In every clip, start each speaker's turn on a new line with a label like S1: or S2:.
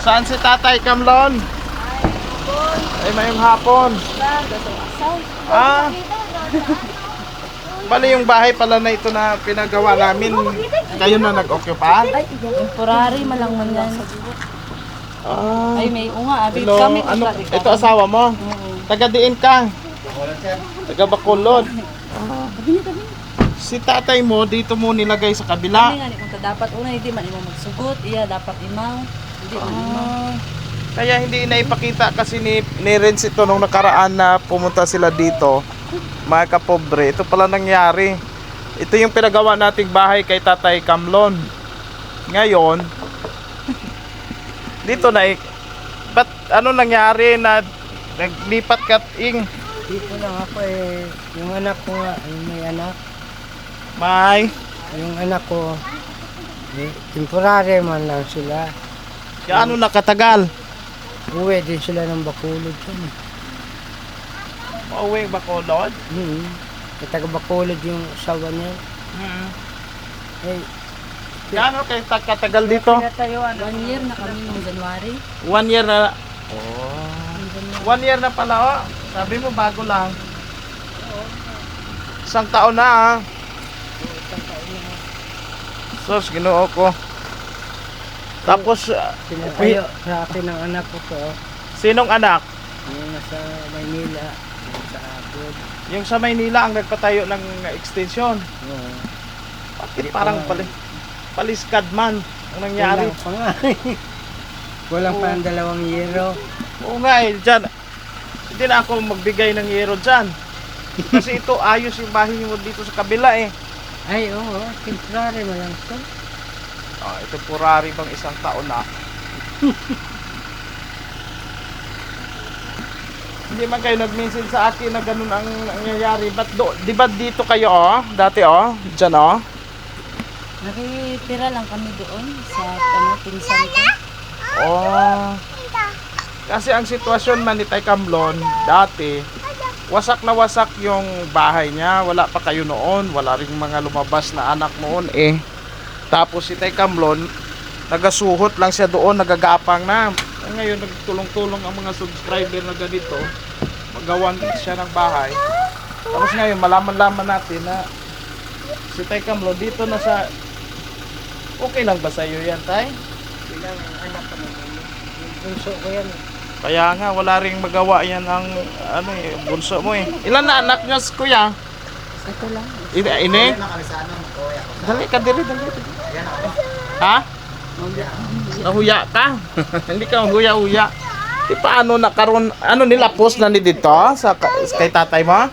S1: Saan si Tatay Kamlon? Ay, mayong hapon. Ah, bali yung bahay pala na ito na pinagawa namin. Kayo na nag-occupy?
S2: Temporary malang man yan.
S1: Ah,
S2: Ay, may unga. Abit
S1: hello.
S2: kami.
S1: Ano, ito asawa mo? Taga-diin ka? Taga-Bacolod. Ah. Si tatay mo, dito mo nilagay sa
S2: Kami
S1: kabila.
S2: nga, kung dapat una, hindi man imo magsugot. Iya, dapat imaw. Hindi man imaw.
S1: Ah, kaya hindi naipakita kasi ni Renz ito nung nakaraan na pumunta sila dito. Mga kapobre, ito pala nangyari. Ito yung pinagawa nating bahay kay Tatay Kamlon. Ngayon, dito na ba't ano nangyari na naglipat ka ing?
S3: Dito lang ako eh, yung anak ko nga, yung may anak,
S1: May,
S3: yung anak ko, eh, temporary man lang sila.
S1: gaano nakatagal?
S3: Uwi din sila ng Bacolod yun.
S1: Pauwi ba ko, Lord?
S3: Taga Bacolod yung asawa niya. Eh,
S1: Gaano kayo katagal dito?
S3: pinatayuan.
S2: 1 year na kami noong January.
S1: 1 year na. Oh. 1 year na pala, oh. Sabi mo bago lang. Isang taon na, ah. Sus, ginoo ko. Tapos,
S3: Pinatayo sa akin ng anak ko to.
S1: sinong anak?
S3: Yung nasa Maynila, yung sa abroad.
S1: Yung sa Maynila ang nagpatayo ng extension.
S3: Oo.
S1: Bakit parang paliskad man ang nangyari?
S3: Kulang pa nga. Kulang pa ang 2 yero.
S1: Oo nga eh, dyan. Hindi na ako magbigay ng yero dyan. Kasi ito, ayos yung bahay mo dito sa kabila eh.
S3: Ay, oo, temporary mo lang to.
S1: Oh, ito purari bang isang taon na. Hindi man kayo nag-mention sa akin na ganun ang nangyayari. Di ba dito kayo oh? Dati oh? Diyan oh?
S2: Nakitira lang kami doon sa pinsan ko.
S1: Oh. Kasi ang sitwasyon man ni Tay Kamlon, dati, wasak na wasak yung bahay niya. Wala pa kayo noon. Wala ring mga lumabas na anak noon eh. Tapos si Tay Kamlon, nagasuhot lang siya doon, nagagapang na. Ngayon, nagtulong-tulong ang mga subscriber na ganito. Magawan siya ng bahay. Tapos ngayon, malaman-laman natin na si Tay Kamlon dito na sa... Okay lang ba sa iyo yan, Tay?
S3: Bilang anak ko naman. Yung bunso ko yan.
S1: Kaya nga, wala ring magawa yan ang ano, eh, bunso mo eh. Ilan na anak niyo, kuya?
S2: Ito lang.
S1: Ini? Dali ka, dali. Ha? Nahuya ka? Hindi ka huya-huya. Di paano nakaroon, ano nila, post na ni dito sa kay tatay mo?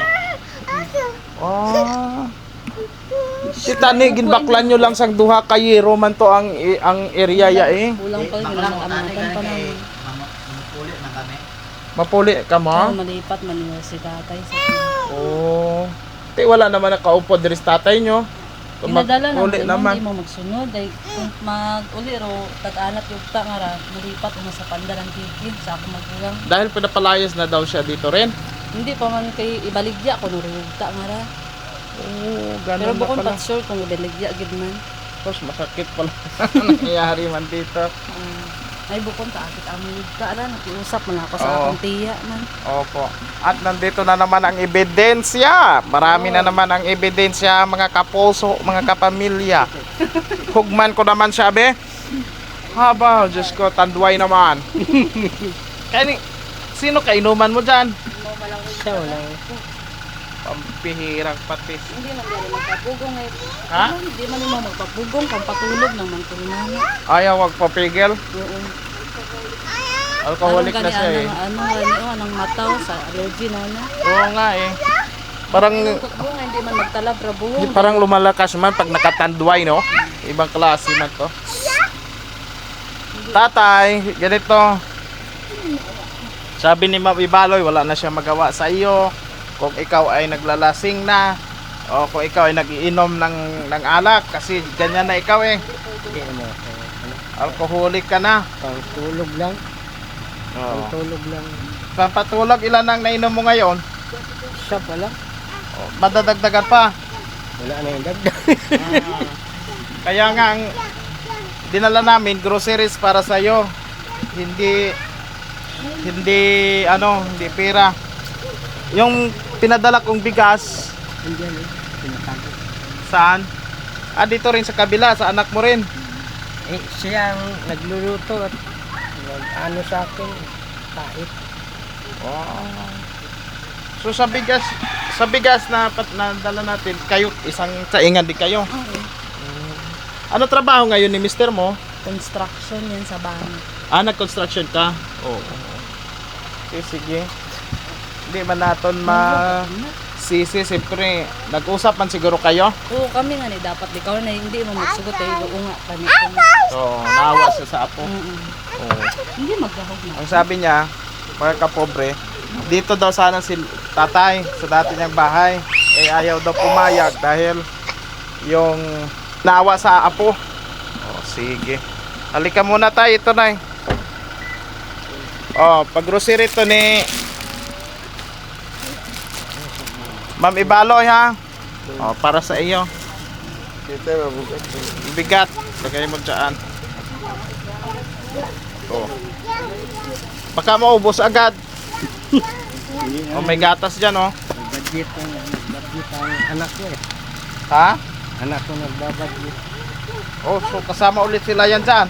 S1: Oh. Si Tani, ginbaklan nyo lang sang duha ka yero man to ang area ya eh.
S2: Kulang pa rin nag-amatan pa namin.
S1: Mapuli ka mo?
S2: Malipat man nila si tatay sa
S1: Oh. Di wala naman nakaupod diri sa tatay nyo.
S2: Pinadala lang
S1: Uli
S2: din
S1: naman.
S2: hindi mo magsunod ay kung mag-uli ro tag-anat yung ta nga ra malipat mo sa pandaran tigid sa ako magulang.
S1: Dahil pinapalayas na daw siya dito rin.
S2: Hindi pa man kay ibaligya ko nurugta nga ra.
S1: Oh,
S2: Pero
S1: ganun na
S2: bukod
S1: pala.
S2: pag sure kung ibaligya gid man.
S1: Tapos masakit pala nangyayari man dito.
S2: Ay bukod ta akit amoy ka ra nakiusap man ako sa
S1: Oo.
S2: akong tiya man.
S1: Opo. At nandito na naman ang ebidensya. Marami na naman ang ebidensya, mga kapuso, mga kapamilya. Hugman ko naman siya, be. Haba, Diyos ko, tanduay naman. Kaya sino kainuman mo dyan?
S3: Siya wala.
S1: Pampihirang patis.
S2: Hindi man dali magpapugong ay.
S1: Ha?
S2: Hindi man mo magpapugong kung patulog ng mangkulunana.
S1: Ayaw wagpapigil.
S2: Oo.
S1: Alcoholic na siya eh.
S2: Anong mataw sa allergy na na.
S1: Oo nga eh. Parang
S2: Bunga hindi man magtalab ra buhok.
S1: parang lumalakas man pag nakatanduay, no? Ibang klase man to. Tatay, ganito. Sabi ni Ma'am Ibaloy, wala na siya magawa sa iyo. Kung ikaw ay naglalasing na, o kung ikaw ay nagiinom ng alak, kasi ganyan na ikaw eh.
S3: Hindi mo.
S1: Alcoholic ka na.
S3: Pang tulog lang. Pang
S1: Oh.
S3: tulog lang.
S1: Pampatulog, ilan ang nainom mo ngayon?
S3: Siya pala.
S1: Oh, madadagdagan pa.
S3: Wala na yung dagdag.
S1: Kaya nga ang dinala namin groceries para sa iyo. Hindi hindi pera. Yung pinadala kong bigas,
S3: Andiyan eh. Pinatago.
S1: saan? Dito rin sa kabila, sa anak mo rin.
S3: Eh, siya ang nagluluto at ano sa akin, kahit.
S1: Wow. So sa bigas na dala natin, kayo isang saingan din kayo.
S2: Oo.
S1: Ano trabaho ngayon ni mister mo?
S2: Construction yan sa bahay.
S1: Nag-construction ka? Oo. Okay, sige. Hindi man natin sisi, siyempre. Nag-usap man siguro kayo?
S2: Oo, kami nga ni dapat ikaw na hindi mo magsugot ay uunga kami.
S1: Oo, naawa siya sa apo. Oo.
S2: Hindi maghahog na.
S1: Ang sabi niya, mga kapobre, dito daw sana si tatay sa dati niyang bahay. Eh ayaw daw pumayag dahil yung naawa sa apo. Oh, sige. Halika muna tayo, ito na. Oh, pag-grocery to ni Ma'am Ibaloy ha. Oh, para sa iyo. Bigat. Lagay mo dyan. Oh. Baka maubos agad. Oh, may gatas dyan oh.
S3: Budget ang anak ko eh.
S1: Ha?
S3: Anak ko nagbabudget.
S1: Oh, so kasama ulit sila yan dyan.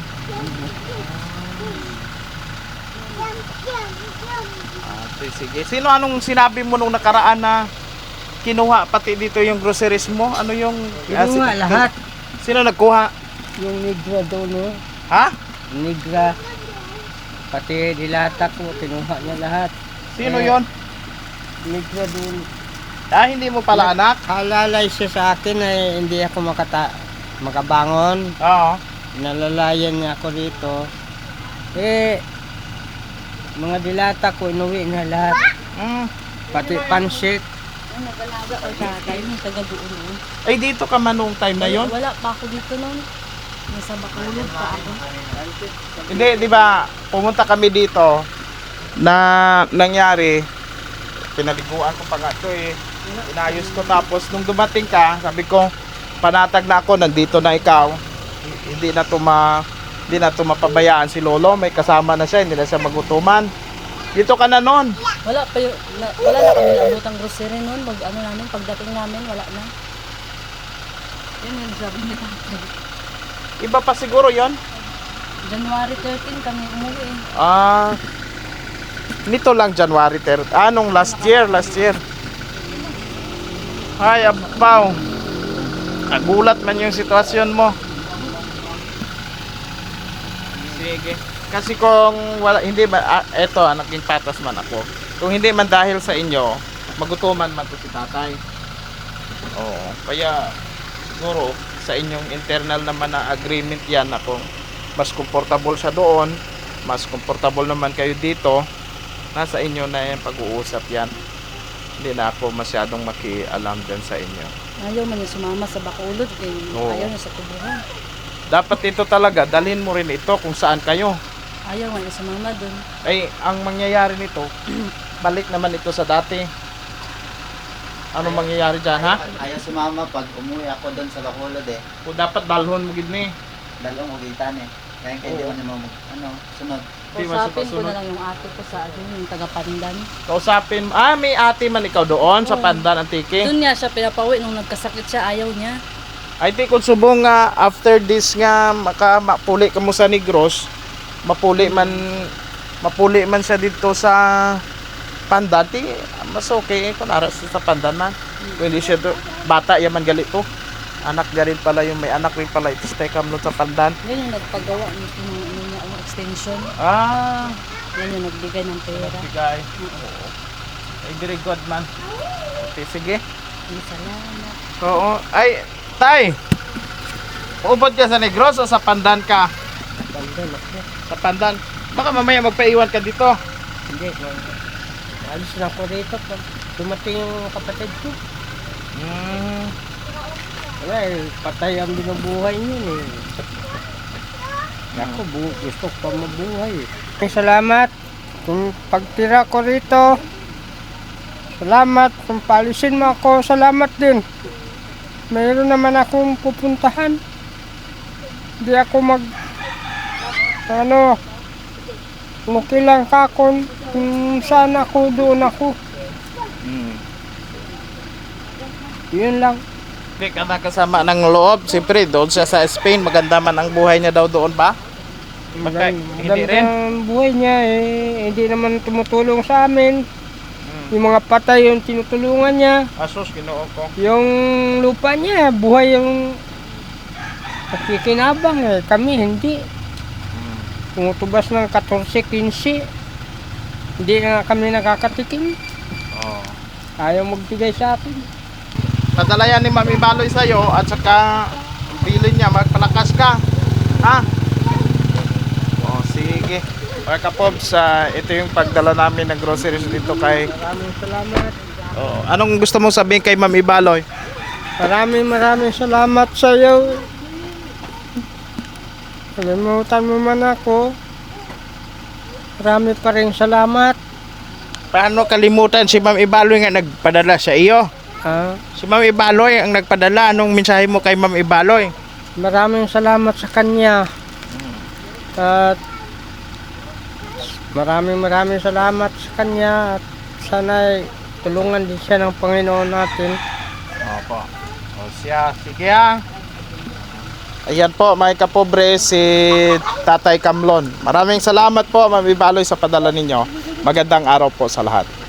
S1: Sige. Sino anong sinabi mo nung nakaraan na kinuha pati dito yung groceries mo? Ano yung...
S3: Kinuha lahat.
S1: Sino nagkuha?
S3: Yung negra doon no?
S1: Ha?
S3: Negra. Pati dilata ko, kinuha niya lahat.
S1: Sino
S3: Eh,
S1: yon?
S3: Negra doon.
S1: Hindi mo pala anak?
S3: Halalay siya sa akin na hindi ako makabangon.
S1: Oo.
S3: Nalalayan niya ako dito. Eh, mga dilata ko, inuwi na lahat.
S1: Mm.
S3: Pati pansit.
S2: Ay, nag-alaga ko tatay, may taga-doon.
S1: Ay, dito ka man nung time na yon?
S2: Wala pa ako dito noon. Nasa Bacolod pa ako.
S1: Hindi, di ba? Pumunta kami dito na nangyari. Pinaliguan ko pa nga ito eh. Inayos ko tapos nung dumating ka, sabi ko, panatag na ako, nandito na ikaw. Hindi na to mapabayaan si Lolo, may kasama na siya, hindi na siya magutuman. Dito ka na noon.
S2: Wala pa wala na kami naabutang grocery noon. Namin, pagdating namin, wala na. Yun yung sabi ni tatay.
S1: Iba pa siguro yon.
S2: January 13 kami umuwi eh.
S1: Nito lang January 3rd. Nung last year. Ay, abaw. Nagulat man yung sitwasyon mo. Sige. Kasi kung wala, hindi ba, eto, naging patas man ako. Kung hindi man dahil sa inyo, magutuman man to si tatay. Oo. Kaya, siguro, sa inyong internal naman na agreement yan na kung mas comfortable siya doon, mas comfortable naman kayo dito, nasa inyo na yung pag-uusap yan. Hindi na ako masyadong makialam dyan sa inyo.
S2: Ayaw man niya sumama sa Bacolod eh.
S1: Oo.
S2: Ayaw niya sa tubuhan.
S1: Dapat ito talaga, dalhin mo rin ito kung saan kayo.
S2: Ayaw man niya sumama dun.
S1: Ay, ang mangyayari nito, balik naman ito sa dati. Ano mangyayari dyan, ha?
S4: Ayaw sumama pag umuwi ako doon sa Bacolod eh.
S1: O dapat dalhon mo gid ni.
S4: Dalawang ugitan eh. Kaya hindi
S1: Oo.
S4: ko naman sunod.
S1: Di
S2: Kausapin ko
S1: masusunod.
S2: na lang yung ate ko sa yung taga-Pandan.
S1: Kausapin, may ate man ikaw doon sa Pandan Antique.
S2: Doon niya siya pinapawi nung nagkasakit siya, ayaw niya.
S1: I think kung subong nga after this nga mapuli ka mo sa Negros, mapuli man siya dito sa Pandan, mas okay kung naras sa Pandan man. Kung hindi siya bata yaman gali to. Anak niya rin pala yung may anak rin pala ito sa Tecamlo sa Pandan.
S2: Yan yung nagpagawa nito ng niya, extension. Yan yung nagbigay ng pera.
S1: Bigay. Oo. Ay, very good man. Okay, sige.
S2: Salamat.
S1: Oo. Ay, tay! Uubod ka sa Negros o sa Pandan ka?
S3: Pandan ako.
S1: Sa Pandan. Baka mamaya magpaiwan ka dito.
S3: Hindi. Alis na ako rito pag dumating yung kapatid ko. Wala eh, patay ang binubuhay niyo eh. Ako, gusto ko pa mabuhay eh. Salamat kung pagtira ko rito. Salamat kung palisin mo ako. Salamat din. Mayroon naman akong pupuntahan. Hindi ako okay lang ka kung saan ako, doon ako. Yun lang.
S1: Hindi ka nakasama ng loob. Siyempre, doon siya sa Spain. Maganda man ang buhay niya daw doon ba? Hindi rin.
S3: Ang buhay niya hindi naman tumutulong sa amin. Yung mga patay yung tinutulungan niya.
S1: Asus, ginoo ko.
S3: Yung lupa niya, buhay yung nakikinabang Kami hindi. Tumutubas ng 14-15. Hindi na kami nakakatikim.
S1: Oh.
S3: Ayaw magbigay sa akin.
S1: Padala yan ni Mami Baloy sa'yo at saka bilin niya, magpalakas ka. Ha? O, sige. Mga kapobs, ito yung pagdala namin ng groceries dito kay...
S3: Maraming salamat.
S1: Oh, anong gusto mong sabihin kay Mami Baloy?
S3: Maraming salamat sa iyo. Kalimutan mo man ako. Marami pa rin salamat.
S1: Paano kalimutan si Ma'am Ibaloy nga nagpadala sa iyo? Si Ma'am Ibaloy ang nagpadala. Anong mensahe mo kay Ma'am Ibaloy?
S3: Maraming salamat sa kanya. At maraming salamat sa kanya. At sana'y tulungan din siya ng Panginoon natin.
S1: Opo. O siya, sige ha. Ayan po mga kapobre, si Tatay Kamlon. Maraming salamat po Ma'am Ibaloy sa padala ninyo. Magandang araw po sa lahat.